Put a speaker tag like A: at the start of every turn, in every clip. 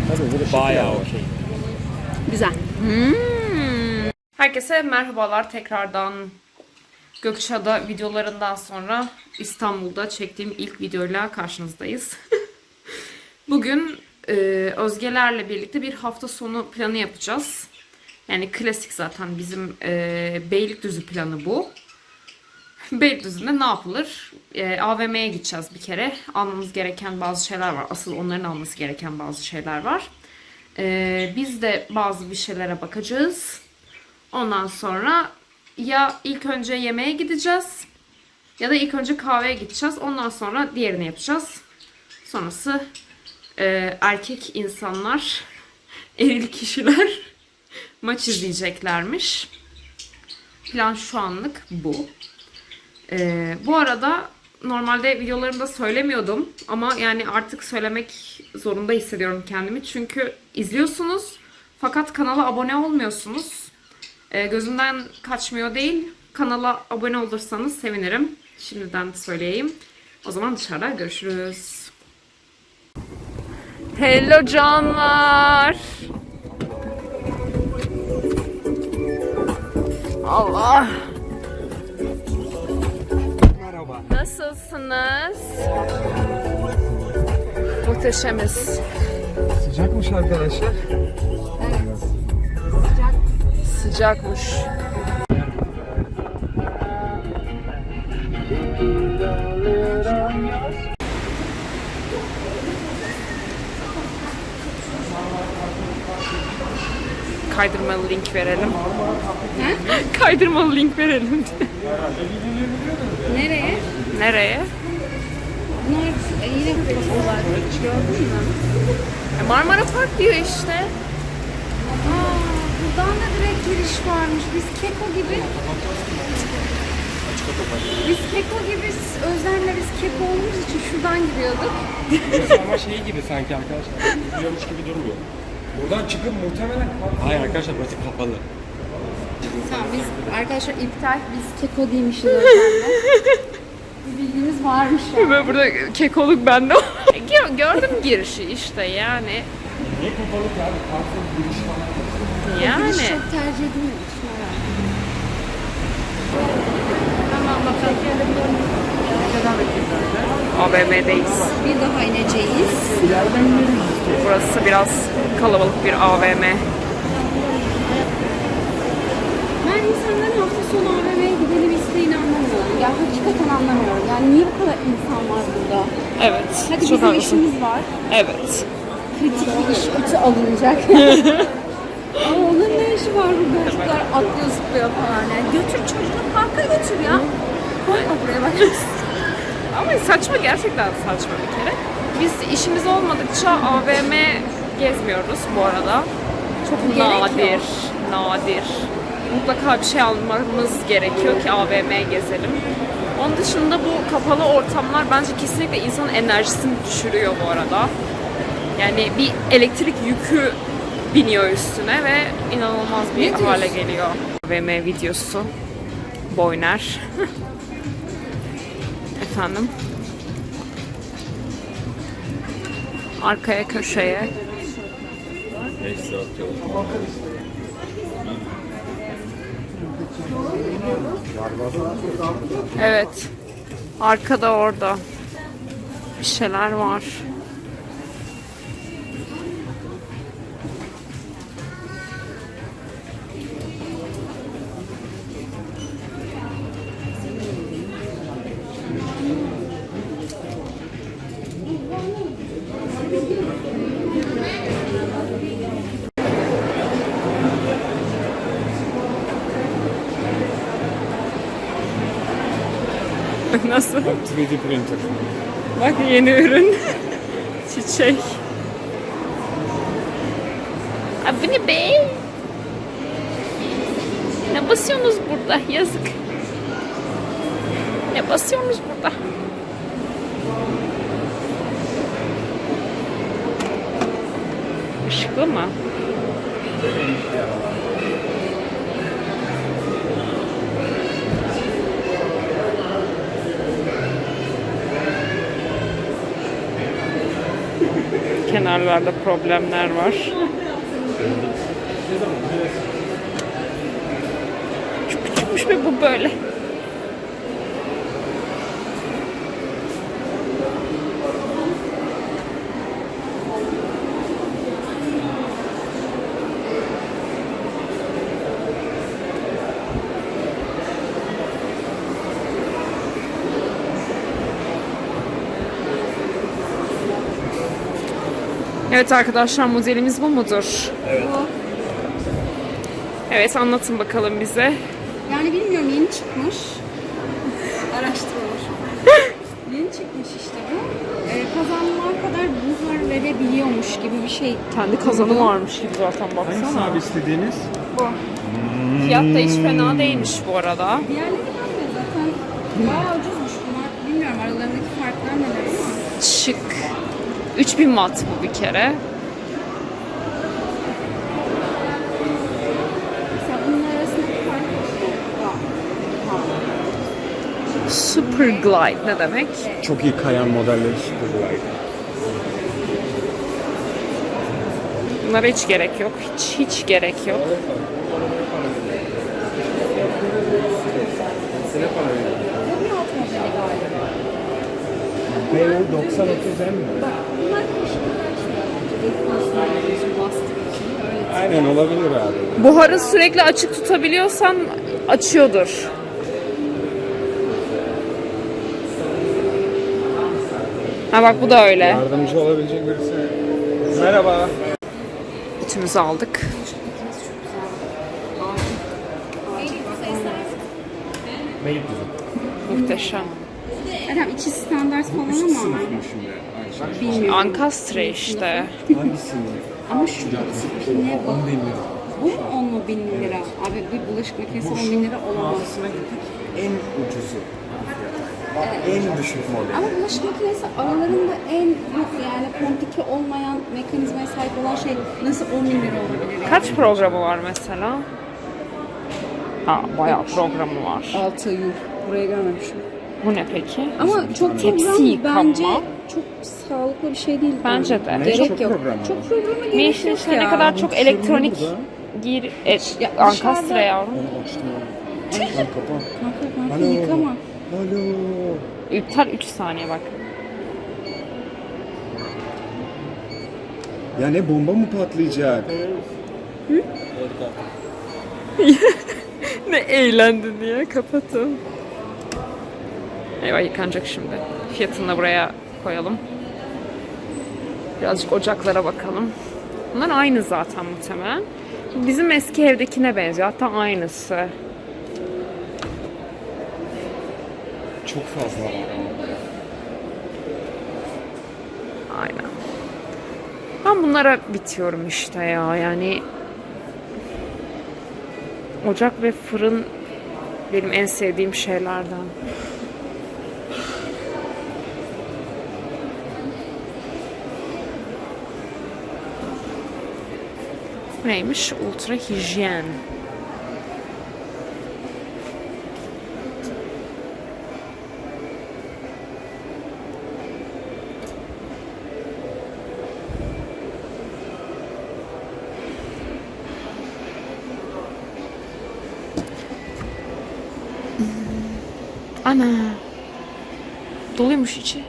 A: Bayağı okey.
B: Güzel.
C: Herkese merhabalar tekrardan. Gökçeada videolarından sonra İstanbul'da çektiğim ilk videoyla karşınızdayız. Bugün Özgelerle birlikte bir hafta sonu planı yapacağız. Yani klasik zaten bizim Beylikdüzü planı bu. Beylikdüzü'nde ne yapılır? AVM'ye gideceğiz bir kere. Almamız gereken bazı şeyler var. Asıl onların alması gereken bazı şeyler var. Biz de bazı bir şeylere bakacağız. Ondan sonra ya ilk önce yemeğe gideceğiz ya da ilk önce kahveye gideceğiz. Ondan sonra diğerini yapacağız. Sonrası erkek insanlar, eril kişiler maç izleyeceklermiş. Plan şu anlık bu. Bu arada normalde videolarımda söylemiyordum ama yani artık söylemek zorunda hissediyorum kendimi. Çünkü izliyorsunuz fakat kanala abone olmuyorsunuz. Gözümden kaçmıyor değil. Kanala abone olursanız sevinirim. Şimdiden söyleyeyim. O zaman dışarıda görüşürüz. Hello canlar. Allah.
A: Merhaba.
C: Nasılsınız? Muhteşemiz.
A: Sıcakmış arkadaşlar.
C: Sıcakmış. Kaydırmalı link verelim. Kaydırmalı link verelim.
B: Nereye?
C: Nereye?
B: Bunlar yine kapatılar. Hiç gördün mü?
C: Marmara Park diyor işte.
B: Buradan da direkt giriş varmış. Biz Keko gibi Özlem'le biz Keko olduğumuz için şuradan giriyorduk.
A: Ama şey gibi sanki arkadaşlar. Biliyormuş gibi durmuyor. Buradan çıkıp muhtemelen... Hayır arkadaşlar burası kapalı.
B: Tamam biz arkadaşlar iptal. Biz Keko değilmişiz Özlem'le. Bir bilgimiz varmış yani.
C: Böyle burada kekoluk bende. Gördüm girişi işte yani.
A: Niye kapalı ki abi? Parkın giriş falan.
C: Yani.
B: Giriş çok tercih edilmemiş. Tamam bakalım.
C: AVM'deyiz.
B: Bir daha ineceğiz.
C: Burası biraz kalabalık bir AVM.
B: Ben insanların hafta sonu AVM'ye gidelim isteğini anlamıyorum. Ya hakikaten anlamıyorum. Yani niye bu kadar insan var burada?
C: Evet.
B: Hadi
C: çok
B: bizim
C: haklısın.
B: işimiz var.
C: Evet.
B: Kritik bir iş kötü alınacak. Ama onun ne işi var burada? Çocuklar atlıyor zıplıyor falan. Yani götür çocuğunu parka götür ya. Koyma buraya bak.
C: Ama saçma, gerçekten saçma bir kere. Biz işimiz olmadıkça AVM gezmiyoruz bu arada. Çok
B: Gerek
C: nadir. Mutlaka bir şey almamız gerekiyor ki AVM gezelim. Onun dışında bu kapalı ortamlar bence kesinlikle insanın enerjisini düşürüyor bu arada. Yani bir elektrik yükü biniyor üstüne ve inanılmaz bir hale geliyor. AVM videosu. Boyner. Efendim. Arkaya köşeye. Evet. Arkada orada bir şeyler var. Nasıl?
A: 3D printer.
C: Bak yeni ürün. Çiçek. Abi bu ne be? Ne basıyorsunuz burada? Yazık. Ne basıyorsunuz burada? Işıklı mı? Kenarlarda problemler var. Çok küçükmüş ve bu böyle. Evet arkadaşlar, modelimiz bu mudur?
B: Bu.
C: Evet, anlatın bakalım bize.
B: Yani bilmiyorum, yeni çıkmış. Araştırılmış. Yeni çıkmış işte bu. Kazanlar kadar buhar verebiliyormuş gibi bir şey.
C: Kendi kazanı varmış gibi zaten,
A: Hangisi
C: baksana.
A: abi istediğiniz?
B: Bu.
C: Fiyat da hiç fena değilmiş bu arada.
B: Diğerleri ben de zaten bayağı ucuzmuş bunlar. Bilmiyorum aralarındaki farklar neler ama.
C: Şık. 3000 watt bu bir kere.
B: Mesela bunun arasındaki fark
C: Super Glide ne demek?
A: Çok iyi kayan modelleri Superglide.
C: Bunlara hiç gerek yok. Hiç gerek yok.
B: Bu bir alt modeli galiba.
A: B90 30 mi?
B: Bunlar koşullar için.
A: Aynen olabilir abi.
C: Buharı sürekli açık tutabiliyorsan açıyordur. Ha bak, bu da öyle.
A: Yardımcı olabilecek birisi. Merhaba.
C: Ütümüzü aldık. Muhteşem.
B: Adam içi standart falan ama.
A: Şimdi
B: Bilmiyorum.
C: Ankastre işte.
A: hangisini?
B: Ama şu tipine bak. Bu mu 10 bin lira? Abi bir bulaşık makinesi 10 bin lira olamaz.
A: Mağazasına gittik. En ucuzu. Bak, en düşük model.
B: Ama bulaşık makinesi aralarında en yok yani komplike olmayan mekanizmaya sahip olan şey nasıl 10 bin lira olabilir? Yani?
C: Kaç programı var mesela? Ha, bayağı programı var.
B: 6 yuh. Buraya görmemişim.
C: Bu ne peki?
B: Ama çok
C: Tepsi
B: program
C: yıkama.
B: bence çok sağlıklı bir şey değil.
C: Bence de.
B: Gerek
A: çok
B: yok.
A: program var.
B: Çok programa
C: Ne
B: gerek
C: işin
B: yok
C: içine
B: ya.
C: ne kadar çok elektronik gir
B: Ya
C: Ankastre
B: dışarıda-
C: yavrum.
A: Onu açtım ya. Lan kapa.
B: Kanka yıkama.
A: Alo.
C: İptal 3 saniye bak.
A: Ya ne bomba mı patlayacak?
C: Ne eğlendin diye kapatın. Eyvah, yıkanacak şimdi. Fiyatını da buraya koyalım. Birazcık ocaklara bakalım. Bunlar aynı zaten muhtemelen. Bizim eski evdekine benziyor. Hatta aynısı.
A: Çok fazla var ama.
C: Aynen. Ben bunlara bitiyorum işte ya. Yani ocak ve fırın benim en sevdiğim şeylerden. Neymiş? Ultra hijyen. Ana. Doluymuş içi.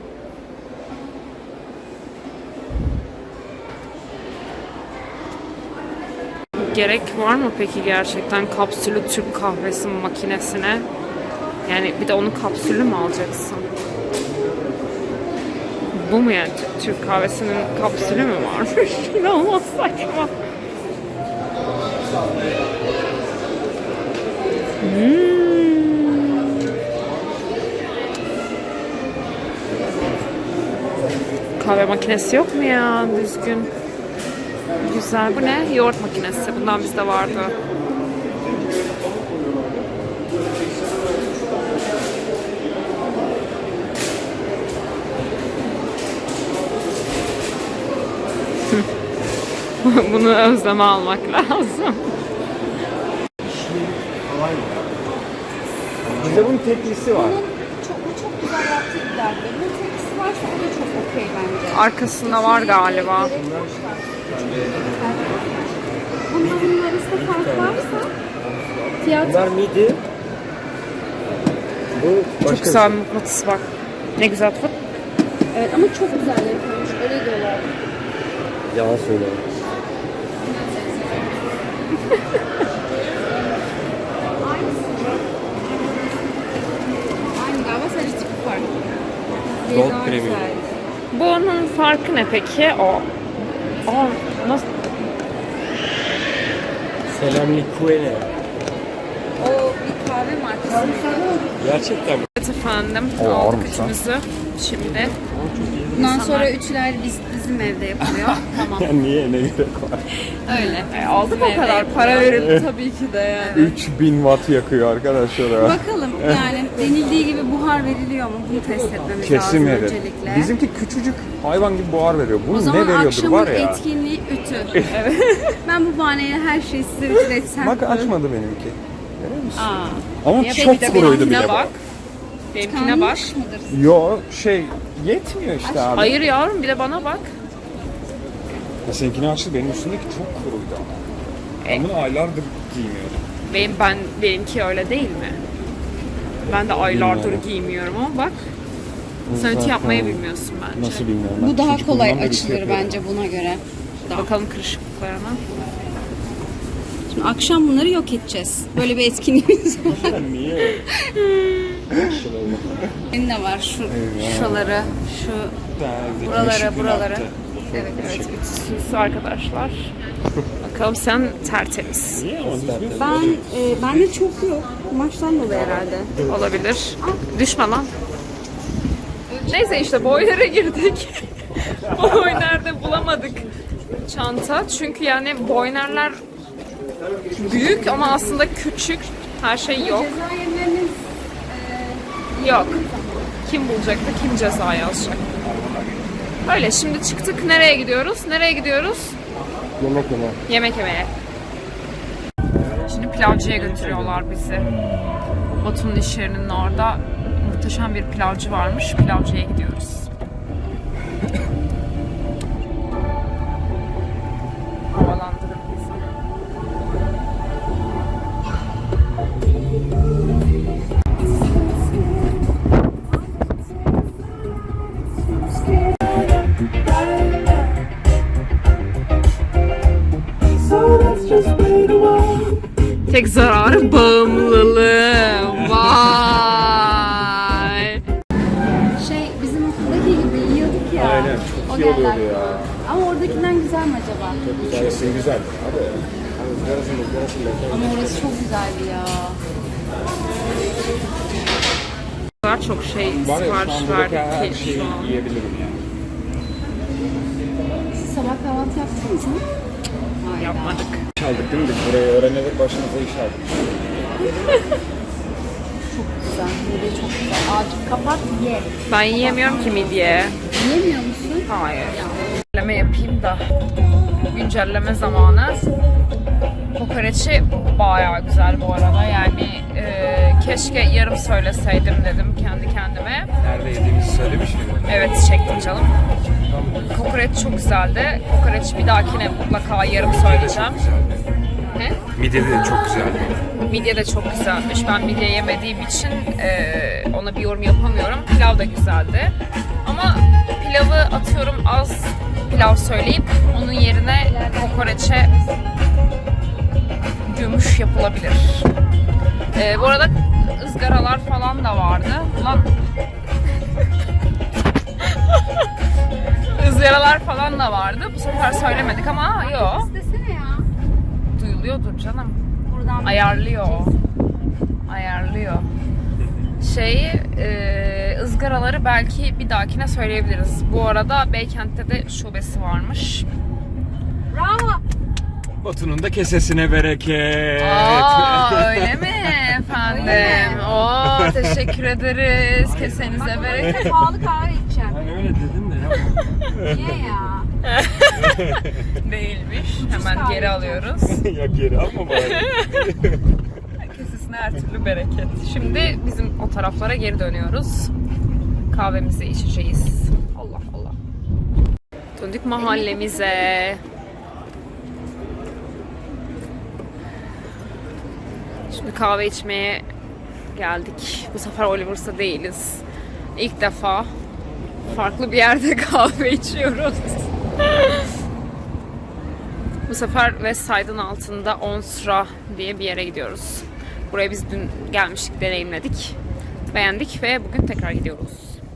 C: Gerek var mı peki gerçekten kapsülü Türk kahvesi makinesine? Yani bir de onun kapsülü mü alacaksın? Bu mu yani? Türk kahvesinin kapsülü mü varmış? İnanılmaz saçma. Kahve makinesi yok mu ya düzgün? Güzel. Bu ne? Yoğurt makinesi. Bundan bizde vardı. Bunu özleme almak lazım.
A: Bizde bunun teklisi var.
B: Bu çok güzel yaptığı bir derdi. Bunun tepkisi varsa o da çok okey bence.
C: Arkasında var galiba.
B: Bunların arasında fark varsa fiyat
A: Bunlar midi. Bu
C: Çok
A: başka
C: güzel bir mıknatıs bak. Ne güzel tut.
B: evet ama çok güzel yapılmış. Öyle diyorlar.
A: Yalan söylüyor.
B: Aynı galiba sadece tipi farklı.
A: Gold
B: Daha
A: Premium.
B: güzel.
C: Bunun farkı ne peki? Aa, nasıl?
A: Selamlikuene.
B: O bir kahve markası.
A: Gerçekten mi?
C: Evet efendim.
A: O
C: Aldık
A: ağırmış lan.
C: üçümüzü. Şimdi.
B: Bundan sonra üçler bizim evde yapılıyor. Tamam.
A: Niye ne gerek var?
B: Öyle.
C: Aldık o kadar. Para verildi tabii ki de yani.
A: 3000 watt yakıyor arkadaşlar.
B: Bakalım yani denildiği gibi buhar veriliyor mu? Bunu test etmemiz
A: Kesin
B: lazım
A: verir.
B: öncelikle.
A: Bizimki küçücük hayvan gibi buhar veriyor.
B: O
A: Bunun
B: zaman
A: ne veriyordur
B: akşamın
A: var ya.
B: etkinliği ütü. Ben bu bahaneyle her şeyi size ütületsem.
A: Bak açmadı benimki. Görüyor musun?
B: Aa.
A: Ama
C: Bir
A: çok
C: de
A: kuruydu bile
C: benimkine
A: bu.
C: bak. Benimkine bak.
B: Kanmış mıdır?
A: Yo yetmiyor işte abi.
C: Hayır yavrum bir de bana bak.
A: Seninkini açtı, benim üstündeki çok kuruydu ama. Ben bunu aylardır giymiyordum.
C: Benimki öyle değil mi? Ben de aylardır
A: Bilmiyorum.
C: giymiyorum ama bak. Sen ütü yapmayı bilmiyorsun bence.
A: Nasıl bilmiyorum.
B: Bu
A: Ben
B: daha
A: çocukluğumdan
B: kolay
A: beri
B: açılır
A: yapıyorum.
B: bence buna göre.
C: Bakalım kırışıklıklarına.
B: Şimdi akşam bunları yok edeceğiz. Böyle bir etkinliğimiz var.
A: Niye?
B: Benim de var şuraları, şu buraları. Evet, evet.
C: Ütüsüz arkadaşlar. Bakalım sen tertemiz.
A: Niye ama düzgün?
B: Bende çok yok. Maçtan dolayı herhalde.
C: Olabilir. Düşme lan. Neyse işte boylara girdik. Boyner'de bulamadık çanta. Çünkü yani boynerler büyük ama aslında küçük. Her şey yok.
B: Cezayirleriniz
C: Yok. Kim bulacaktı, kim ceza yazacak. Öyle şimdi çıktık. Nereye gidiyoruz? Nereye gidiyoruz?
A: Yemek yeme.
C: Yemek yemeye. Şimdi pilavcıya götürüyorlar bizi. Batu'nun iş yerinin orada muhteşem bir pilavcı varmış. Pilavcıya gidiyoruz. Havalandırın bizi. Tek zararı bağımlılığı. Vay.
B: bizim okuldaki gibi yiyorduk ya.
A: Aynen, çok iyi oluyordu ya.
B: Ama oradakinden güzel mi acaba?
A: Güzel, güzel. Abi.
B: Ama orası çok güzeldi ya.
C: O kadar çok şey
A: Var ya, şu
C: sipariş
A: an buradaki her
C: verdik ki
A: şeyi
C: şu an.
A: yiyebilirim yani.
B: Siz sabah kahvaltı yaptınız mı? Hayır.
C: Yapmadık.
A: İş aldık değil mi? Biz burayı öğrenerek başımıza iş aldık.
B: Güzel. Midye çok güzel. Acil kapat ye.
C: Ben yiyemiyorum ki midye.
B: Yemiyor musun?
C: Hayır. Güncelleme yapayım da. Güncelleme zamanı. Kokoreçi bayağı güzel bu arada. Yani keşke yarım söyleseydim dedim kendi kendime.
A: Nerede yediğimizi söylemiş miydim?
C: Evet çektim canım. Kokoreç çok güzeldi. Kokoreç bir dahakine mutlaka yarım söyleyeceğim. He?
A: Midye de çok güzeldi.
C: Midye de çok güzelmiş. Ben midye yemediğim için ona bir yorum yapamıyorum. Pilav da güzeldi. Ama pilavı atıyorum az pilav söyleyip onun yerine kokoreçe gümüş yapılabilir. Bu arada ızgaralar falan da vardı. Ulan ızgaralar falan da vardı. Bu sefer söylemedik ama yok.
B: İstesene ya.
C: Duyuluyordur canım.
B: Buradan
C: Ayarlıyor. Ayarlıyor. Izgaraları belki bir dahakine söyleyebiliriz. Bu arada Beykent'te de şubesi varmış.
B: bravo.
A: Batu'nun da kesesine bereket.
C: Aa öyle mi efendim? Oo teşekkür ederiz. Kesenize bereket.
B: Pahalı kahve içeceğim.
A: Ben öyle dedim de yapma.
B: Niye ya?
C: Değilmiş. Hemen geri alıyoruz.
A: Ya geri alma bari.
C: Kesesine her türlü bereket. Şimdi bizim o taraflara geri dönüyoruz. kahvemizi içeceğiz. Allah Allah. Döndük mahallemize. Şimdi kahve içmeye geldik. Bu sefer Oliver's'ta değiliz. İlk defa farklı bir yerde kahve içiyoruz. Bu sefer West Side'ın altında Onsra diye bir yere gidiyoruz. Buraya biz dün gelmiştik, deneyimledik. Beğendik ve bugün tekrar gidiyoruz.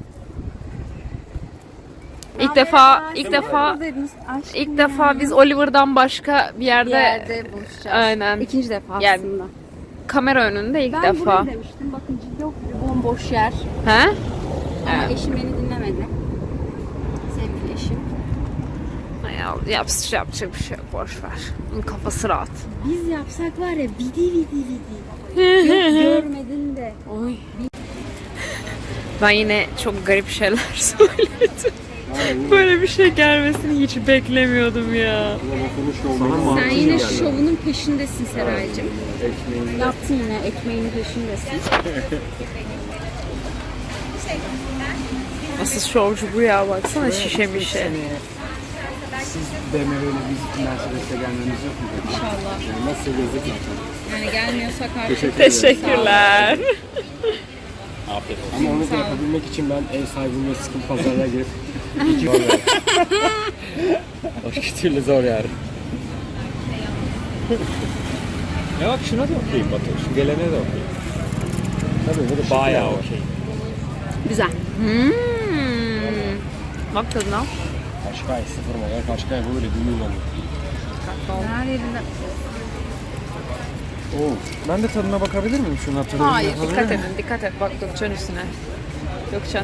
C: İlk defa biz Oliver'dan başka bir yerde
B: buluşacağız.
C: Aynen.
B: İkinci defa
C: Yani
B: aslında.
C: kamera önünde ilk
B: Ben
C: defa.
B: buraya demiştim. Bakın yok bir bomboş yer.
C: He?
B: Ama eşim beni dinlemedi. Sevgili eşim.
C: Yapacak bir şey yok, boş ver. Onun kafası rahat.
B: Biz yapsak var ya vidi. Yok görmedin de.
C: Oy. Ben yine çok garip şeyler söyledim. Böyle bir şey gelmesini hiç beklemiyordum ya.
B: Sen yine şovunun peşindesin Seraycığım. Yaptın yine ekmeğinin peşindesin.
C: Asıl şovcu bu ya, baksana şişe mişe.
A: Siz BMW'yle biz Mercedes'e gelmemiz yok mu?
B: İnşallah.
A: Yani nasıl gezdik zaten.
B: Yani gelmiyorsak artık.
C: Teşekkürler.
A: Afiyet olsun. Ama onu da yapabilmek için ben ev sahibimle sıkıntı pazarlığa girip zor yani. Başka türlü zor yani. Ya bak şuna da okuyayım Batu. Şu gelene de okuyayım. Tabii bu da bayağı okey.
B: Güzel.
C: Bak tadına.
A: Kaşkay 0 model Kaşkay böyle 1 milyon.
B: Her yerinde.
A: Oo. Ben de tadına bakabilir miyim şunun tadına?
C: Hayır, dikkat et. Bak Gökçen üstüne. Gökçen.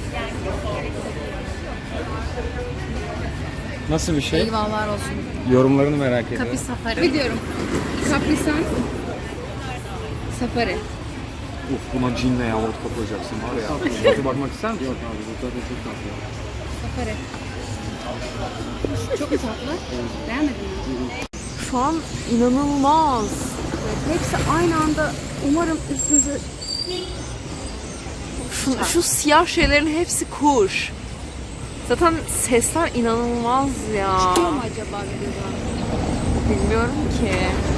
A: Nasıl bir şey?
B: Eyvallah olsun.
A: Yorumlarını merak ediyorum.
B: Kapri Safari. Biliyorum. Kaprisan Safari.
A: Uf buna cinle ya vodka koyacaksın var ya. Hadi bakmak ister misin? Yok abi bu tadı çok tatlı.
B: Safari. Çok tatlı. Beğenmedin mi?
C: Şu an inanılmaz.
B: Hepsi aynı anda umarım üstümüze
C: Şu siyah şeylerin hepsi kuş. Zaten sesler inanılmaz ya.
B: çıkıyor mu acaba videoda?
C: Bilmiyorum ki.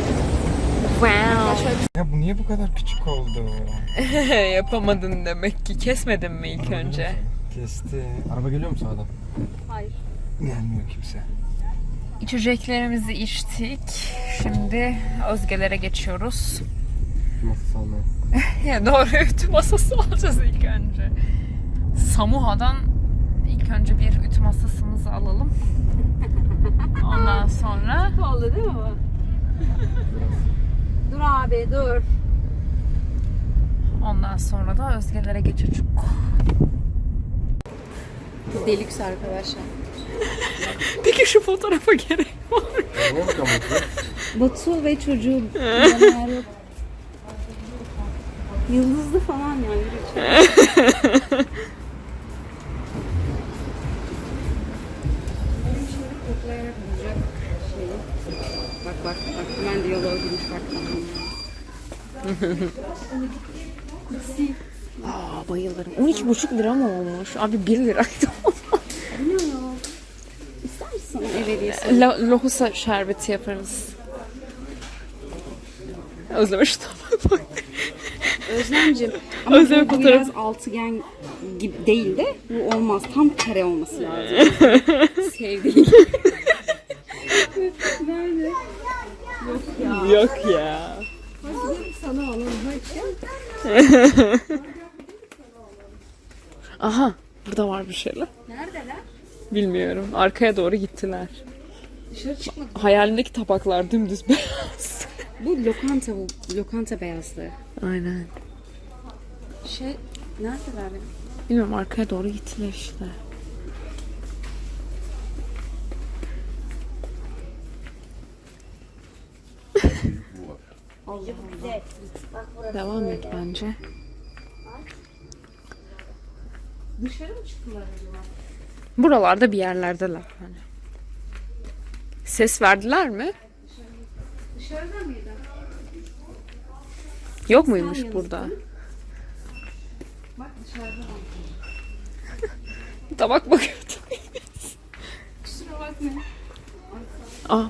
C: Wow.
A: Ya bu niye bu kadar küçük oldu?
C: Yapamadın demek ki. Kesmedin mi ilk önce?
A: Kesti. Araba geliyor mu sağdan?
B: Hayır.
A: Gelmiyor kimse.
C: İçeceklerimizi içtik. Şimdi Özge'lere geçiyoruz.
A: Masası almaya.
C: Ya doğru, ütü masası alacağız ilk önce. Samuha'dan ilk önce bir ütü masasımızı alalım. Ondan sonra
B: Oldu değil mi bu? Dur abi dur.
C: ondan sonra da Özge'lere geçeceğiz.
B: Deluxe arkadaşlar.
C: Peki şu fotoğrafa gerek var mı?
A: Niye bakalım?
B: Batu ve çocuğu yanlar yok. Yıldızlı falan yani. Koklayarak bulacak şeyi. Bak hemen diyaloğa girmiş bak.
C: Aa, bayılırım. 12,5 lira mı olmuş? Abi 1 liraydı.
B: Bu ne ya? İster misin ev hediyesi?
C: Lohusa şerbeti yaparız. Özlemiş tamam.
B: Özlemciğim. Ama
C: Özlem
B: bu
C: fotoğrafı.
B: biraz altıgen gibi değil de bu olmaz. Tam kare olması lazım. Sevdiğim. Nerede? Yok ya.
C: Yok ya.
B: Hadi sana alalım. Hadi.
C: Aha, burada var bir şeyler.
B: Neredeler?
C: Bilmiyorum. Arkaya doğru gittiler.
B: Dışarı çıkmadı.
C: Hayalimdeki tabaklar dümdüz beyaz.
B: Bu lokanta beyazlığı.
C: Aynen.
B: Neredeler ya?
C: Bilmiyorum, arkaya doğru gittiler işte. Devam et bence.
B: Dışarı mı çıktılar acaba?
C: Buralarda bir yerlerdeler. Hani. Ses verdiler mi?
B: Dışarıda mıydı?
C: Yok muymuş burada?
B: Bak dışarıda.
C: Tabak bakıyordum.
B: Kusura bakma.
C: Aa.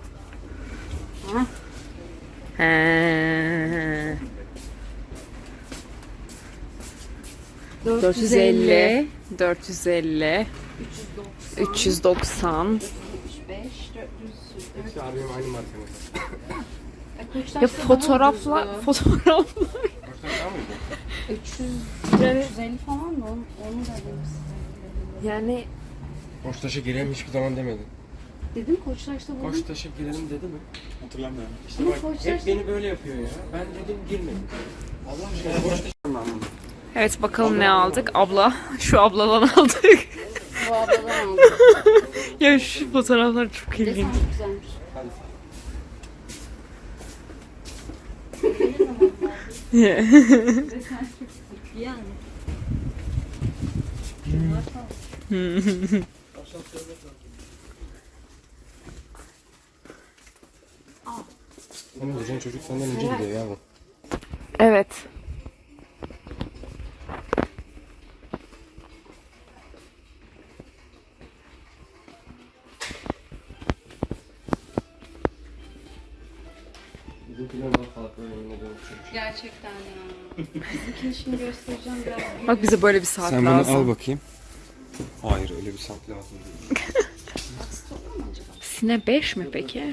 C: He. 450, 450, 390.
B: 75, 400.
A: Hepsi abi benim aynı markanın.
C: Ya fotoğraflar.
A: Koçtaş daha mıydı?
B: 350 falan da onu da dedim size.
C: Yani
A: Koçtaş'a girelim hiçbir zaman demedi.
B: Dedim Koçtaş'ta buldum.
A: Koçtaş'a girelim dedi mi?
D: Hatırlamıyorum.
A: İşte bak hep beni böyle yapıyor ya. Ben dedim girmedim. Allah aşkına Koçtaş'a ben bunu.
C: evet, bakalım ne aldık. Abla, şu abladan aldık.
B: Bu abladan aldım.
C: Ya şu fotoğraflar çok
B: Desen
C: ilginç.
B: çok güzelmiş. Desen çok iyi yani.
A: Senin diyeceğin çocuk senden önce gidiyor ya bu.
C: Evet.
A: Bizimkiler daha farklı yemin ediyorum çocuk.
B: Gerçekten ya. Bizimkini şimdi göstereceğim biraz.
C: Bak bize böyle bir saat
A: Sen bunu
C: lazım.
A: al bakayım. Hayır öyle bir saat lazım değil.
C: Sine 5 mi peki?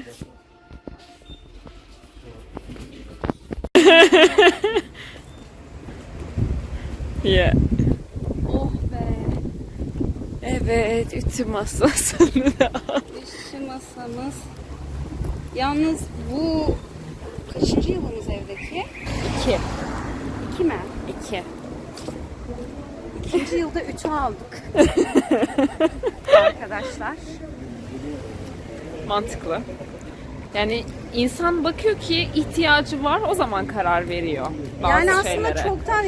C: Yeah.
B: Oh be.
C: Evet, ütü masasını da al.
B: Üstü masamız. Yalnız bu kaçıncı yılımız evdeki?
C: 2.
B: 2 mi?
C: 2.
B: İkinci yılda 3'ü aldık. Arkadaşlar.
C: Mantıklı. Yani insan bakıyor ki ihtiyacı var, o zaman karar veriyor bazı
B: Yani aslında
C: şeylere.
B: çoktan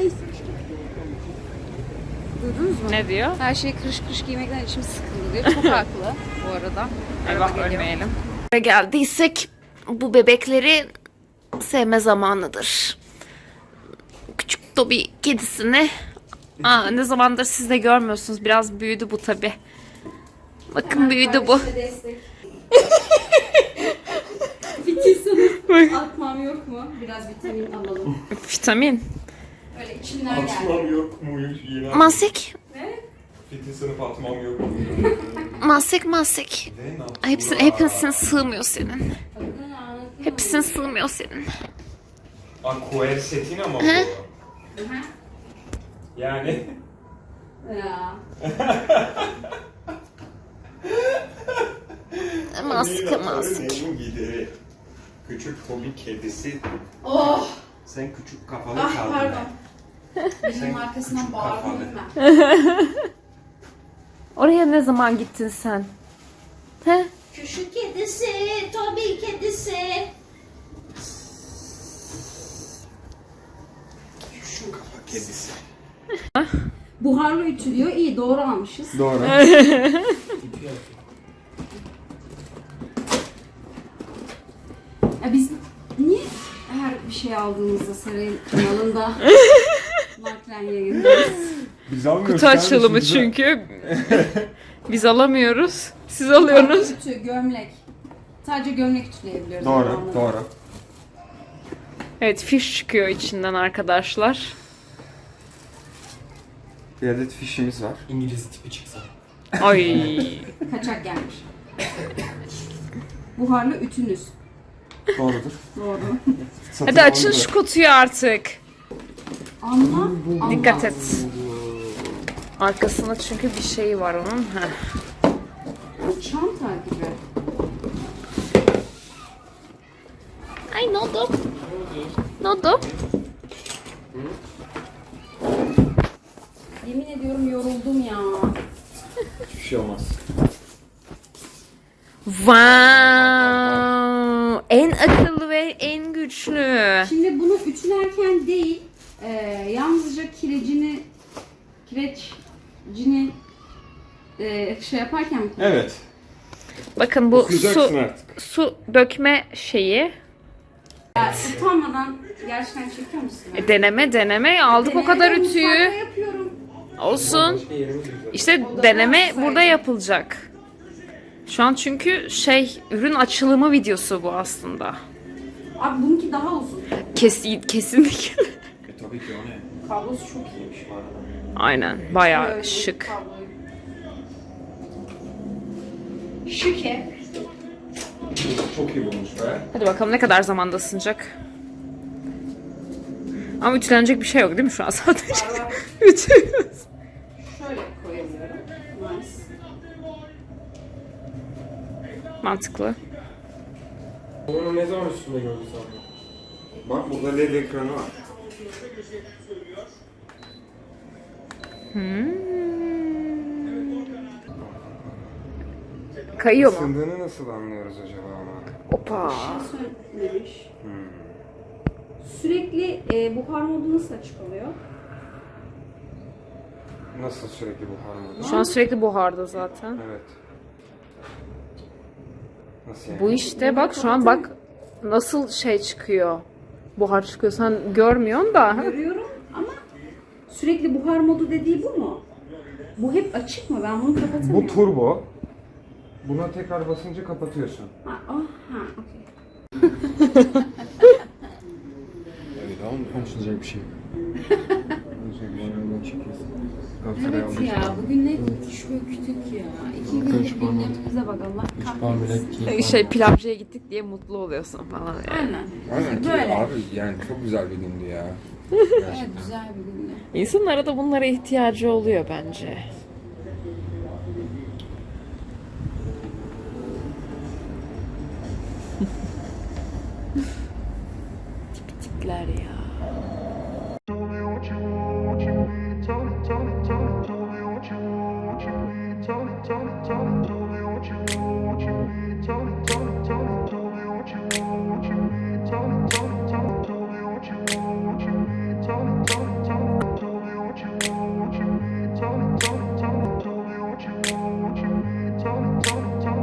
B: Duydunuz mu?
C: Ne diyor?
B: Her şey kırış kırış giymekten içim sıkıldı diyor. Çok haklı bu arada.
C: Eyvah,
B: geliyor.
C: ölmeyelim. Buraya geldiysek bu bebekleri sevme zamanıdır. Küçük Toby kedisini ne zamandır siz de görmüyorsunuz. Biraz büyüdü bu tabi. Bakın büyüdü bu.
B: Vitamin atmam yok mu? Biraz vitamin alalım.
C: Vitamin.
B: Öyle içimden geldi.
D: Atmam yok muymuş yine?
C: Masik.
D: Fitin sınıf atmam yok mu?
C: Masik masik.
D: Ne yaptın?
C: Hepsine sığmıyor senin. Hepsine sığmıyor senin.
D: Quercetin ama bu. Yani
B: Ya.
C: Masik masik.
D: Neyin gideri? Küçük hobi kedisi.
B: Oh!
D: Sen küçük kafalı
B: Ah
D: kaldın.
B: pardon.
D: Sen
B: Benim arkasından
D: küçük
B: bağırdım
D: kafalı.
B: ben.
C: Oraya ne zaman gittin sen? He?
B: Küçük kedisi, Toby kedisi.
D: Küçük kafa kedisi.
B: Buharlı ütülüyor. İyi doğru almışız.
D: Doğru.
B: Ya biz niye her bir şey aldığımızda Saray'ın kanalında naklen yayınlıyoruz?
D: Biz almıyoruz.
C: Kutu açılımı çünkü. Biz alamıyoruz. Siz alıyorsunuz.
B: Ütü, gömlek. Sadece gömlek ütüleyebiliyoruz.
D: Doğru,
B: zamanında.
D: doğru.
C: Evet, fiş çıkıyor içinden arkadaşlar.
D: Bir adet fişimiz var.
A: İngiliz tipi çıksa.
C: Ay.
B: Kaçak gelmiş. Buharlı ütünüz.
D: Doğrudur.
B: Doğru.
C: Hadi açın şu kutuyu artık.
B: Ama
C: Dikkat et. Arkasında çünkü bir şey var onun. Heh.
B: çanta gibi.
C: Ay ne oldu? Ne oldu?
B: Yemin ediyorum yoruldum ya.
D: Hiçbir şey olmaz.
C: Wow! En akıllı ve en güçlü.
B: Şimdi bunu ütülerken değil, yalnızca kirecini şey yaparken mi?
D: Evet.
C: Bakın bu
D: Okuyacaksın
C: su
D: artık.
C: su dökme şeyi.
B: Utanmadan gerçekten çekiyor musun?
C: Deneme aldık o kadar
B: Denemedim,
C: ütüyü.
B: mutfakta yapıyorum.
C: Olsun.
A: Başka yerimiz güzel.
C: İşte deneme burada yapılacak. Şu an çünkü ürün açılımı videosu bu aslında.
B: Abi bununki daha uzun.
C: Kesinlikle.
D: Tabii ki o ne?
B: Kablosu çok iyiymiş bu arada.
C: Aynen. Bayağı şık.
B: Şıke.
D: Çok iyi bulmuş be.
C: Hadi bakalım ne kadar zamanda ısınacak. Ama ütülenecek bir şey yok değil mi şu an sadece? Ütülüyoruz.
B: Şöyle koyabiliyorum. Nice.
C: Mantıklı.
A: Onu ne zaman üstünde gördün sen?
D: Bak burada LED ekranı var.
C: Kayıyor mu?
D: Isındığını nasıl anlıyoruz acaba ama?
C: Opa.
B: Sönmemiş. Sürekli buhar modu nasıl açık oluyor?
D: Nasıl sürekli buhar modu?
C: Şu an sürekli buharda zaten.
D: Evet. Nasıl yani?
C: Bu işte bak şu an bak nasıl çıkıyor. Buhar çıkıyor. Sen görmüyorsun da.
B: Görüyorum ama sürekli buhar modu dediği bu mu? Bu hep açık mı? Ben bunu kapatamıyorum.
D: Bu turbo. Buna tekrar basınca kapatıyorsun.
B: Okey.
A: Evet ama konuşulacak bir şey yok.
B: Evet ya bugün ne çöktük ya. 2 günlük gündemimize bak Allah kahretsin.
C: Pilavcıya gittik diye mutlu oluyorsun falan.
B: Aynen.
E: Aynen ki
B: Böyle.
E: abi yani çok güzel bir gündü ya.
B: Evet güzel bir gündü.
C: İnsanlara da bunlara ihtiyacı oluyor bence. Tipikler ya.